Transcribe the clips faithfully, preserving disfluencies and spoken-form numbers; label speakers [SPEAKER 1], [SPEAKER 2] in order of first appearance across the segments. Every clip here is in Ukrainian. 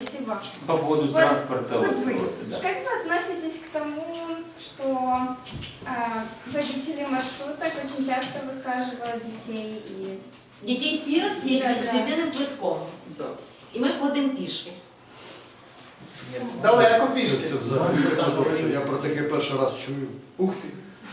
[SPEAKER 1] спасибо.
[SPEAKER 2] По поводу
[SPEAKER 1] Вот,
[SPEAKER 2] транспорта.
[SPEAKER 1] вот
[SPEAKER 2] вот,
[SPEAKER 1] вы.
[SPEAKER 2] вот, да.
[SPEAKER 1] Как вы относитесь к тому, что э, водители маршруток очень часто высаживают детей и...
[SPEAKER 3] Дітей сірот з єдиним квитком. І ми ходимо пішки.
[SPEAKER 4] Далеко пішки.
[SPEAKER 5] Це взагалі парадокс. Я про таке перший раз чую.
[SPEAKER 4] Ух ти.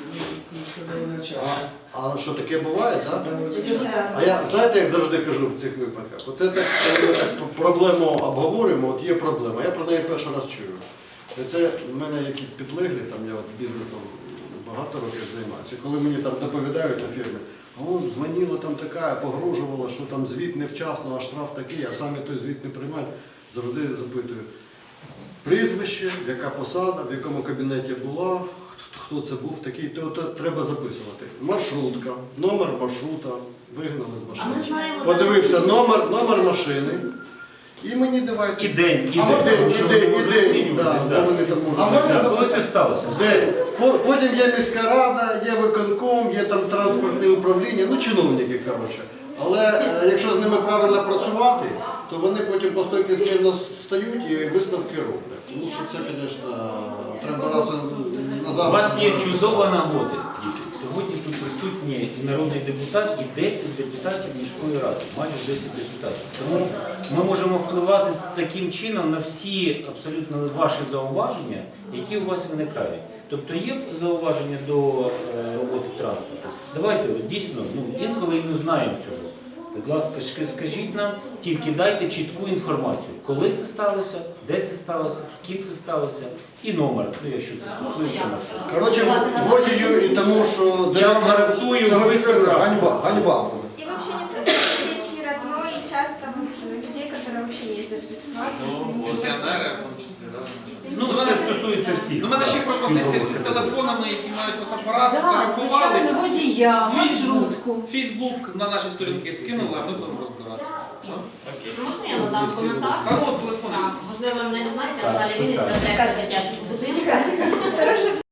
[SPEAKER 5] А, а що таке буває, так? А я, знаєте, як завжди кажу в цих випадках, оце так, коли ми так проблему обговорюємо, от є проблема, я про неї перший раз чую. І це в мене які підлеглі, там я от бізнесом багато років займаюся, коли мені там доповідають на фірмі, о, дзвонила там така, погрожувала, що там звіт невчасно, а штраф такий, а самі той звіт не приймають, завжди запитую. Прізвище, яка посада, в якому кабінеті була, хто це був такий, то, то треба записувати. Маршрутка, номер маршрута, вигнали з
[SPEAKER 3] А
[SPEAKER 5] машини.
[SPEAKER 3] ми знаємо,
[SPEAKER 5] Подивився номер, номер машини. І мені давайте.
[SPEAKER 2] І день, і
[SPEAKER 4] А
[SPEAKER 2] день.
[SPEAKER 4] можна-
[SPEAKER 2] Тому
[SPEAKER 5] І
[SPEAKER 2] що
[SPEAKER 5] день,
[SPEAKER 2] вони
[SPEAKER 5] і
[SPEAKER 2] можуть
[SPEAKER 5] день,
[SPEAKER 2] змінюватись,
[SPEAKER 5] да,
[SPEAKER 2] да.
[SPEAKER 5] бо вони там
[SPEAKER 4] А
[SPEAKER 5] можуть.
[SPEAKER 4] можна
[SPEAKER 2] Да, коли це сталося?
[SPEAKER 5] День. По- Потім є міська рада, є виконком, є там транспортне управління, ну чиновники, коротше. Але е, якщо з ними правильно працювати, то вони потім по стойки змірно стають і висновки роблять. Тому що це, звісно, треба раз на
[SPEAKER 2] У
[SPEAKER 5] завтра.
[SPEAKER 2] вас є чудова нагода, діти. Сьогодні тут присутні і народний депутат, і десять депутатів міської ради, майже десять депутатів. Тому ми можемо впливати таким чином на всі абсолютно ваші зауваження, які у вас виникають. Тобто є зауваження до е, роботи транспорту. Давайте от, дійсно, ну, інколи і не знаємо цього. Будь ласка, sk- скажіть нам, тільки дайте чітку інформацію, коли це сталося, де це сталося, з ким це сталося, і номер, ну, якщо це стосується маршруту.
[SPEAKER 5] Коротше, водію і тому, що
[SPEAKER 2] Я вам
[SPEAKER 5] директор-
[SPEAKER 2] гарантую,
[SPEAKER 5] це
[SPEAKER 2] ви справді.
[SPEAKER 5] ганьба, ганьба буде.
[SPEAKER 1] И вообще не только детей сирот, но и часто вот людей, которые вообще ездят бесплатно.
[SPEAKER 6] Пенсіонери, в тому числі, так?
[SPEAKER 2] Ну, це стосується всіх.
[SPEAKER 6] У мене ще
[SPEAKER 2] так,
[SPEAKER 6] пропозиції всі з
[SPEAKER 2] пільгових
[SPEAKER 6] телефонами, які мають фотоапарат,
[SPEAKER 3] Так,
[SPEAKER 6] фотографували.
[SPEAKER 3] звичайно, водія,
[SPEAKER 6] Фейсбук,
[SPEAKER 3] маршрутку.
[SPEAKER 6] Фейсбук на наші сторінки скинули, а ми будемо розбиратися. Що?
[SPEAKER 3] Можна я надам коментар?
[SPEAKER 6] Та ну, телефон.
[SPEAKER 3] Так, можливо, ви мене не знаєте,
[SPEAKER 2] Так,
[SPEAKER 3] Наталя Вінниця,
[SPEAKER 2] так.
[SPEAKER 3] директор дитячого будинку.